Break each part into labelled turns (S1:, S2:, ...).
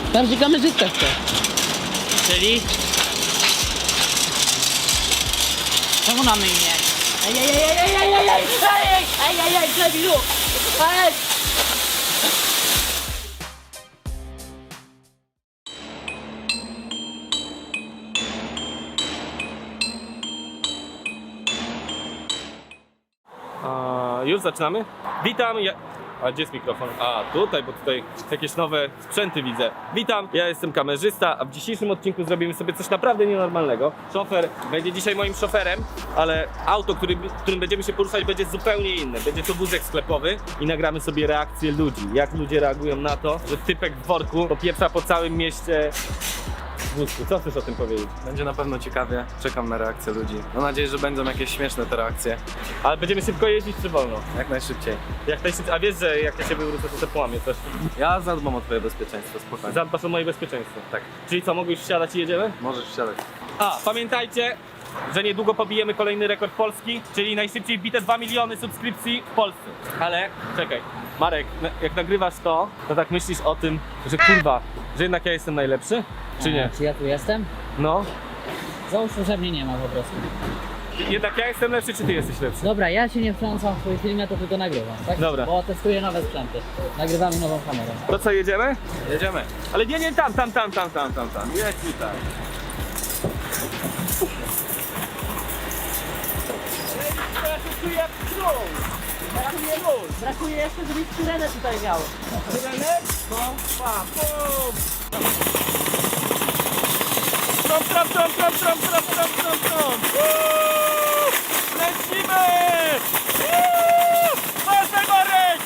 S1: Bardziej kamerzysta chce. Czyli? Czemu na mnie imię? Ej, debilu! Ej!
S2: Już zaczynamy? Witam, A gdzie jest mikrofon? A, tutaj, bo tutaj jakieś nowe sprzęty widzę. Witam, ja jestem kamerzysta, a w dzisiejszym odcinku zrobimy sobie coś naprawdę nienormalnego. Szofer będzie dzisiaj moim szoferem, ale auto, którym będziemy się poruszać, będzie zupełnie inne. Będzie to wózek sklepowy i nagramy sobie reakcję ludzi. Jak ludzie reagują na to, że typek w worku popieprza po całym mieście w wózku. Co chcesz o tym powiedzieć?
S3: Będzie na pewno ciekawie, czekam na reakcję ludzi. Mam nadzieję, że będą jakieś śmieszne te reakcje.
S2: Ale będziemy szybko jeździć czy wolno?
S3: Jak najszybciej.
S2: Jak najszybciej. A wiesz, że jak ja się wywrócę, to se połamię coś.
S3: Ja zadbam o twoje bezpieczeństwo, spokojnie.
S2: Zadbasz o moje bezpieczeństwo.
S3: Tak,
S2: Czyli co, mogę już wsiadać i jedziemy?
S3: możesz wsiadać.
S2: A, pamiętajcie, że niedługo pobijemy kolejny rekord Polski, czyli najszybciej wbite 2 miliony subskrypcji w Polsce. Ale, czekaj, Marek, jak nagrywasz to tak myślisz o tym, że kurwa, że jednak ja jestem najlepszy? Czy nie?
S1: Czy ja tu jestem?
S2: No.
S1: Załóżmy, że mnie nie ma po prostu.
S2: Jednak ja jestem lepszy, czy ty jesteś lepszy?
S1: Dobra, ja się nie wtrącam w twój film, ja to tylko nagrywam, tak?
S2: Dobra.
S1: Bo testuję nowe sprzęty. Nagrywamy nową kamerę.
S2: To co, jedziemy?
S3: Jedziemy.
S2: Ale nie, tam. Jedź tutaj.
S1: Brakuje jeszcze, żebyś syrenę tutaj miał.
S2: Syrenę? No, pa, pum! Trom! Lecimy! Ważny Marek!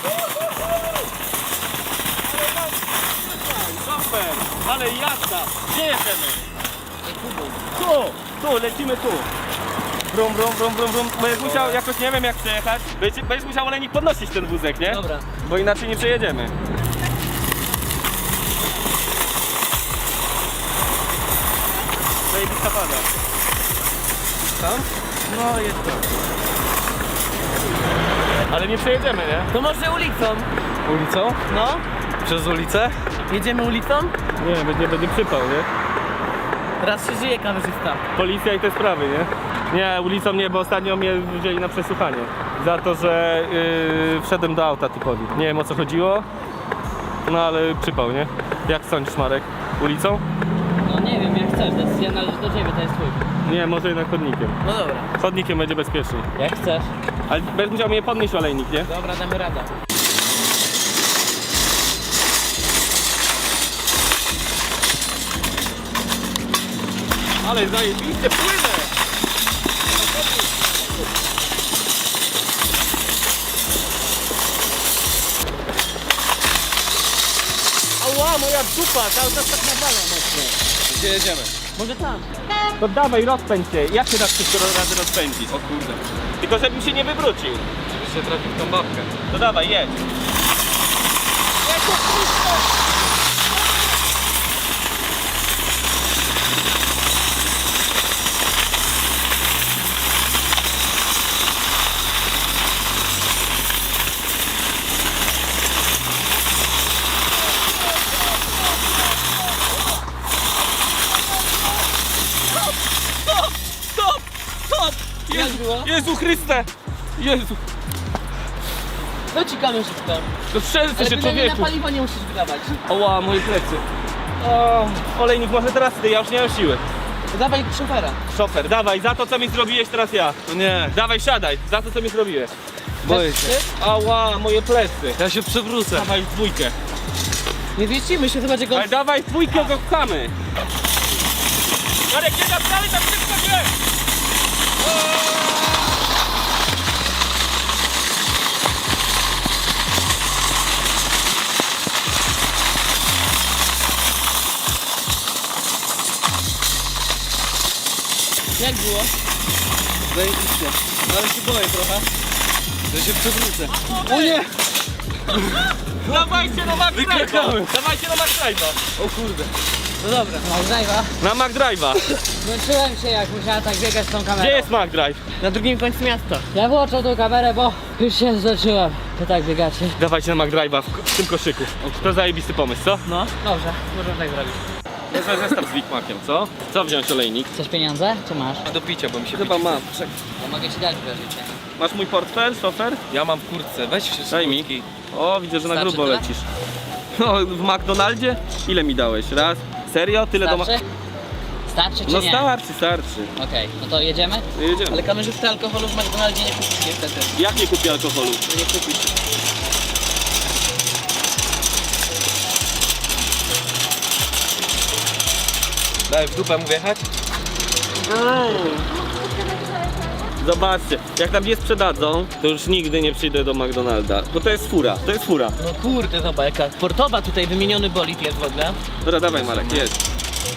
S2: Super! Ale jazda! Gdzie jedziemy? Tu, lecimy tu. Brum. Będziesz musiał jakoś, nie wiem jak przejechać. Będziesz musiał olejnik podnosić ten wózek, nie?
S1: Dobra.
S2: Bo inaczej nie przejedziemy. Zajebista pada. Tam?
S1: No jest to.
S2: Ale nie przejedziemy, nie?
S1: To może ulicą?
S2: Ulicą?
S1: No.
S3: Przez ulicę?
S1: Jedziemy ulicą?
S2: Nie, będzie przypał, nie?
S1: Raz się żyje kamerzysta.
S2: Policja i te sprawy, nie? Nie, ulicą nie, bo ostatnio mnie wzięli na przesłuchanie. Za to, że wszedłem do auta typowi. Nie wiem o co chodziło, no ale przypał, nie? Jak sądzisz, Marek? Ulicą?
S1: No nie wiem, jak chcesz, decyzja należy do ciebie, to jest twój.
S2: Nie, może jednak chodnikiem.
S1: No dobra.
S2: Chodnikiem będzie bezpieczniej.
S1: Jak chcesz.
S2: Ale będziesz musiał mnie podnieść olejnik, nie?
S1: Dobra, damy radę.
S2: Ale zajebiście płynę! Ała, moja dupa, cały czas tak nawala mocno.
S3: Gdzie jedziemy?
S1: Może tam.
S2: To dawaj, rozpędź się. Jak się tak wszystko razy rozpędzić?
S3: O kurde.
S2: Tylko żebym się nie wywrócił.
S3: Żebyś się trafił w tą babkę.
S2: To dawaj, jedź. Stop!
S1: Jak było?
S2: Jezu Chryste! Jezu!
S1: No ci kamerzysta.
S2: To strzelce
S1: Ale
S2: się,
S1: bynajmniej na
S2: człowieku!
S1: paliwo nie musisz wydawać.
S2: Oła, moje plecy. O, olejnik, może teraz ty, ja już nie mam siły.
S1: To dawaj szofera.
S2: Szofer, dawaj, za to co mi zrobiłeś, teraz ja.
S3: No nie,
S2: Dawaj, siadaj, za to co mi zrobiłeś.
S3: boję się.
S2: Ała, moje plecy.
S3: Ja się przewrócę.
S2: Dawaj w dwójkę.
S1: Nie wieścimy się, chyba że go...
S2: Ale dawaj w dwójkę, go pchamy. Marek, nie dalej, tak szybko się!
S1: Jak było?
S3: Zajebiście. Ale się boję trochę. Ja się przewrócę. O nie!
S2: Dawajcie no Max
S3: Wykrakałem.
S2: Drive'a! Dawajcie no Max Drive'a!
S3: O kurde.
S1: No dobra.
S4: McDrive'a.
S2: Na McDrive'a.
S4: Zmęczyłem się, jak musiałem tak biegać z tą kamerą.
S2: Gdzie jest McDrive?
S1: Na drugim końcu miasta.
S4: Ja włączę tą kamerę, bo już się zacząłem. To tak biegacie.
S2: Dawajcie na McDrive'a w tym koszyku. To zajebisty pomysł, co?
S1: No, dobrze. Możemy tak zrobić.
S2: Wezmę zestaw z Big Maciem, co? Co wziąć, olejnik?
S4: Chcesz pieniądze? Czy masz?
S3: Do picia, bo mi się
S2: Chyba mam.
S4: To mogę ci dać wierzycie.
S2: Masz mój portfel, szofer?
S3: Ja mam w kurtce, weź wszystko.
S2: Daj mi. O, widzę, że na
S4: Starczy
S2: grubo
S4: tyle?
S2: lecisz. No, w McDonaldzie? Ile mi dałeś? Raz? Serio? Tyle do
S4: Starczy? Starczy czy
S2: No
S4: nie?
S2: starczy.
S4: Okej, no to jedziemy?
S2: Jedziemy.
S1: Ale kamerzysty alkoholu w McDonaldzie nie kupisz niestety.
S2: Jak nie kupię alkoholu?
S1: Nie kupisz.
S3: Daj w dupę mu wjechać?
S2: Zobaczcie, jak tam nie sprzedadzą, to już nigdy nie przyjdę do McDonalda. Bo to jest fura, to jest fura.
S1: No kurde, zobacz jaka sportowa tutaj wymieniony bolid jest w ogóle.
S2: Dobra, dawaj Marek, jedź.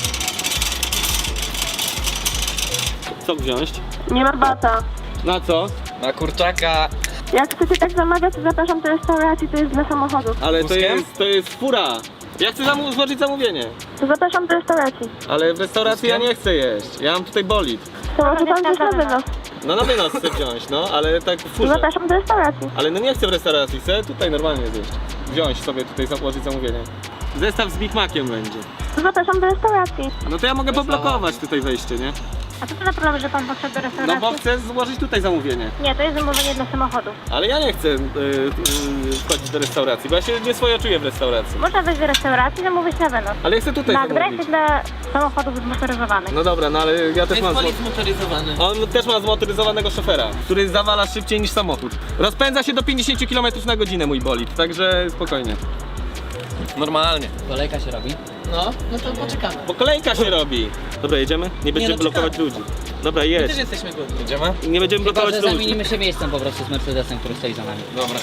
S2: Co wziąć?
S5: Nie ma bata.
S2: Na co?
S3: Na kurczaka.
S5: Jak chcecie tak zamawiać, to zapraszam do restauracji, to jest dla samochodów.
S2: Ale to
S3: Wózkiem?
S2: jest fura. Ja chcę złożyć zamówienie.
S5: To zapraszam do restauracji.
S2: Ale w restauracji ja nie chcę jeść. Ja mam tutaj bolid.
S5: To może pan wziąć na wynos.
S2: No na wynos chcę wziąć, no, ale tak w
S5: To
S2: furze.
S5: zapraszam do restauracji.
S2: Ale no nie chcę w restauracji, chcę tutaj normalnie zjeść. Wziąć sobie tutaj, złożyć zamówienie. Zestaw z Big Maciem będzie.
S5: To zapraszam do restauracji.
S2: No to ja mogę poblokować tutaj wejście, nie?
S5: A co to za problem, że pan poszedł do
S2: No
S5: restauracji?
S2: bo chcę złożyć tutaj zamówienie.
S5: Nie, to jest zamówienie dla samochodów.
S2: Ale ja nie chcę wchodzić do restauracji, bo ja się nie swoje czuję w restauracji.
S5: Można wejść do restauracji, zamówić na wynos.
S2: Ale ja chcę tutaj
S5: McDrive
S2: zamówić.
S5: jest dla samochodów zmotoryzowanych.
S2: No dobra, no ale ja
S1: To
S2: też
S1: jest
S2: mam...
S1: bolid zmotoryzowany.
S2: On też ma zmotoryzowanego szofera, który zawala szybciej niż samochód. Rozpędza się do 50 km na godzinę mój bolid, także spokojnie.
S3: Normalnie.
S4: Kolejka się robi.
S1: No to poczekamy.
S2: Bo kolejka się robi. Dobra, jedziemy? Nie będziemy
S1: no
S2: blokować
S1: czekamy.
S2: ludzi. Dobra,
S1: My
S2: jedź.
S1: też jesteśmy głodni.
S3: Jedziemy?
S2: Nie będziemy
S4: Chyba,
S2: blokować
S4: że
S2: ludzi.
S4: zamienimy się miejscem po prostu z Mercedesem, który stoi za nami.
S3: Dobra.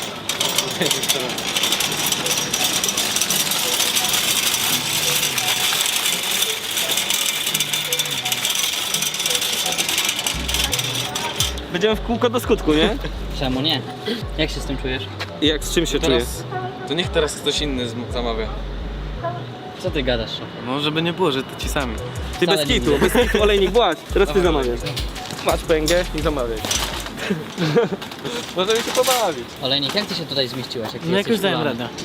S2: Będziemy w kółko do skutku, nie?
S4: Czemu nie? Jak się z tym czujesz?
S2: I jak z czym się czujesz?
S3: Teraz, to niech teraz ktoś inny zamawia.
S4: Co ty gadasz?
S3: No żeby nie było, że to ci sami.
S2: Ty
S4: Wcale
S2: bez
S4: nie
S2: kitu,
S4: widzę.
S2: bez kitu, olejnik, błać. Teraz ty
S3: Dawaj,
S2: zamawiasz. Masz pęgę i zamawiaj. Możemy się pobawić.
S4: Olejnik, jak ty się tutaj zmieściłeś? Jak ty
S1: No
S4: jesteś
S1: jakoś dałem
S4: ulany?
S1: radę.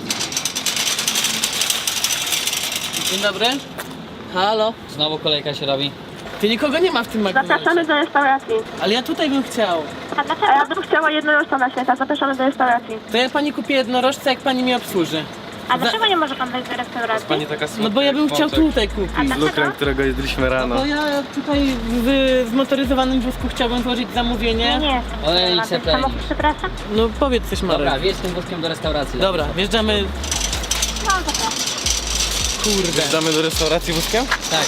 S1: Dzień dobry. Halo.
S4: Znowu kolejka się robi.
S1: Ty nikogo nie ma w tym McDonaldzie.
S5: Zapraszamy do restauracji.
S1: Ale ja tutaj bym chciał.
S5: A ja bym chciała jednorożca na święta, zapraszamy do restauracji.
S1: To ja pani kupię jednorożce, jak pani mnie obsłuży.
S5: A dlaczego nie może pan wejść do restauracji?
S3: Pani taka słodka
S1: No bo ja bym
S3: jak
S1: chciał
S3: wątek.
S1: tutaj kupić.
S5: A
S3: Z
S5: dlaczego?
S3: lukrem, którego jedliśmy rano.
S1: Bo ja tutaj w zmotoryzowanym wózku chciałbym złożyć zamówienie.
S5: Nie.
S4: Olejnik se pleni.
S5: Samochód, przepraszam.
S1: No powiedz coś, Marek.
S4: Dobra, wjedź tym wózkiem do restauracji.
S1: Dobra, wjeżdżamy.
S5: No, zapraszam.
S1: Kurde.
S3: Wjeżdżamy do restauracji wózkiem?
S4: Tak.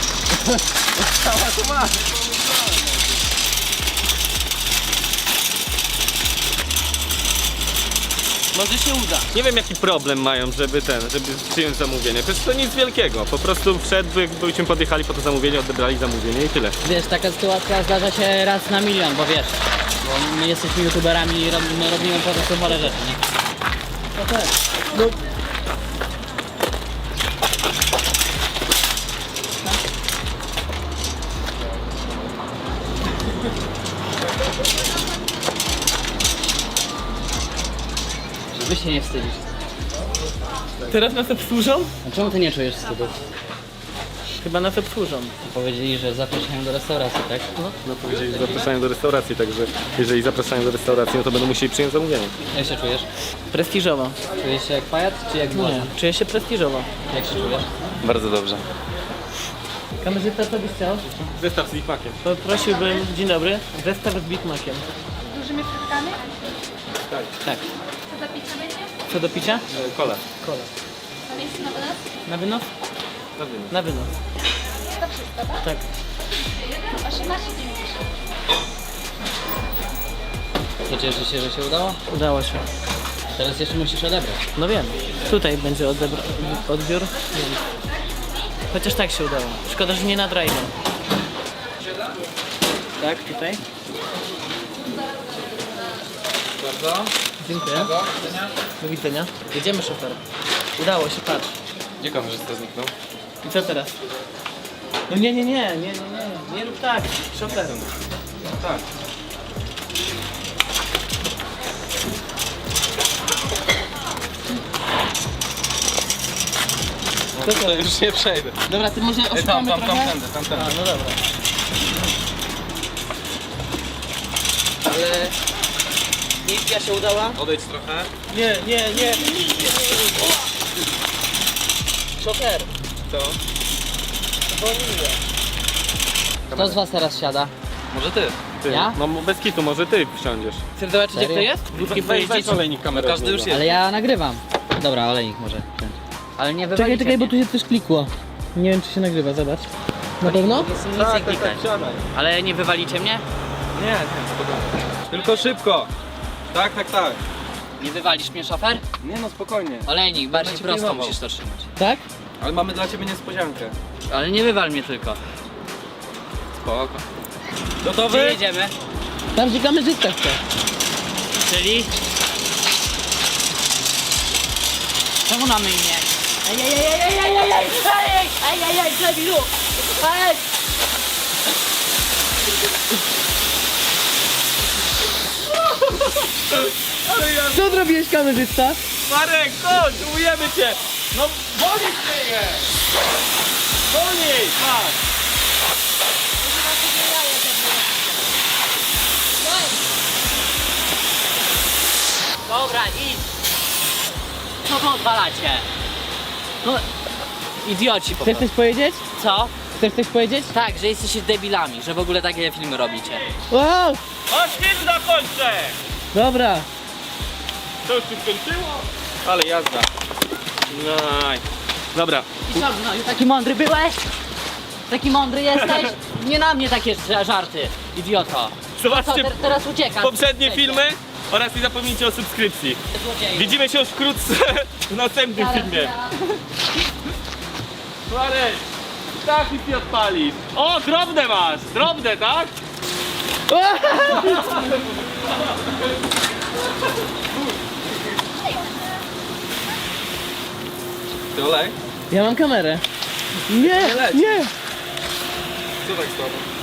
S1: Może się uda.
S2: Nie wiem jaki problem mają, żeby przyjąć zamówienie. Przecież to nic wielkiego. Po prostu byśmy podjechali po to zamówienie, odebrali zamówienie i tyle.
S4: Wiesz, taka sytuacja zdarza się raz na milion, bo wiesz, bo my jesteśmy youtuberami i robimy po prostu chore rzeczy, nie?
S1: No tak. No.
S4: Żeby się nie wstydzić.
S1: Teraz nas obsłużą?
S4: A czemu ty nie czujesz wstydu?
S1: Chyba nas obsłużą.
S4: Powiedzieli, że zapraszają do restauracji, tak?
S2: No powiedzieli, że zapraszają do restauracji, także jeżeli zapraszają do restauracji, no to będą musieli przyjąć zamówienie.
S4: Jak się czujesz?
S1: Prestiżowo.
S4: Czujesz się jak pajac, czy jak
S1: Nie,
S4: błazen?
S1: czuję się prestiżowo.
S4: Jak się czujesz?
S3: Bardzo dobrze.
S1: Kamerzysta, co byś chciał?
S2: Zestaw z Big Maciem.
S1: Poprosiłbym, dzień dobry, zestaw z Big Maciem.
S5: Dużymi frytkami?
S1: Tak.
S5: Co do picia będzie?
S1: Co do picia?
S2: Kola.
S1: Kola.
S5: Na miejscu na wynos?
S1: Na wynos?
S2: Na wynos.
S1: Na wynos.
S5: To wszystko, tak?
S1: Tak.
S5: 18,90.
S4: To cieszy się, że się udało?
S1: Udało się.
S4: Teraz jeszcze musisz odebrać.
S1: No wiem. Tutaj będzie odbiór. Wiem. Chociaż tak się udało. Szkoda, że nie na drive. Tak, tutaj.
S3: Bardzo.
S1: Dziękuję. Do widzenia. Jedziemy, szofer. Udało się, patrz.
S3: Gdzie kamerzysta zniknął?
S1: I co teraz? No nie rób tak, szofer.
S3: Tak. No to już nie przejdę.
S1: Dobra, ty może
S3: Tam,
S1: oszukamy
S3: tam,
S1: trochę?
S3: tam,
S1: A, no dobra. Ale misja się udała?
S3: Odejdź trochę.
S1: Nie. Szofer,
S3: Co?
S1: zwolniłem.
S4: Kto z was teraz siada?
S3: Może ty.
S2: Ty,
S4: Ja?
S2: no bez kitu, może ty wsiądziesz.
S1: Chcesz zobaczyć jak to
S4: Serio?
S1: jest? Wódki
S2: Weź
S1: pojeździć?
S2: olejnik kamerę.
S3: Każdy już jest.
S4: Ale ja nagrywam. Dobra, olejnik może wziąć. Ale nie wywalicie
S1: Czekaj, bo
S4: mnie.
S1: tu się coś klikło. Nie wiem czy się nagrywa, zobacz. Na pewno?
S4: Nic nie klikać.
S2: siadaj.
S4: Ale nie wywalicie mnie?
S3: Nie, spokojnie. Tylko szybko. Tak.
S4: Nie wywalisz mnie, szofer?
S3: Nie no, spokojnie.
S4: Olejnik, bardziej
S3: cię
S4: prosto
S3: pilnował.
S4: musisz to trzymać.
S1: Tak?
S3: Ale mamy dla ciebie niespodziankę.
S4: Ale nie wywal mnie tylko.
S3: Spoko.
S4: Gdzie
S3: Gotowy?
S4: jedziemy?
S1: Tam gdzie kamerzysta chce.
S4: Czyli? Czemu na mnie imię? Debilu!
S1: Co zrobiłeś kamerzysta?
S2: Marek, chodź, umujemy cię! No, wolniej się je! Wolniej, patrz!
S4: Dobra, idź! Co wy odwalacie? No, idioci po
S1: Chcesz
S4: prostu.
S1: coś powiedzieć?
S4: Co?
S1: Chcesz coś powiedzieć?
S4: Tak, że jesteście debilami, że w ogóle takie filmy robicie.
S1: Wow!
S2: Chodź, film zakończę!
S1: Dobra.
S2: To już się skończyło? Ale jazda. Naj. Dobra,
S4: I co, no i taki mądry byłeś? Taki mądry jesteś? Nie na mnie takie żarty, idioto.
S2: zobaczcie
S4: Teraz uciekam.
S2: poprzednie filmy oraz nie zapomnijcie o subskrypcji.
S4: Złodzieju.
S2: Widzimy się już wkrótce w następnym filmie. Marek, tak nic nie odpalisz. O, drobne masz, drobne, tak?
S3: Ty olej?
S1: Ja mam kamerę. Nie,
S3: leci.
S1: nie.
S3: Co tak słabo?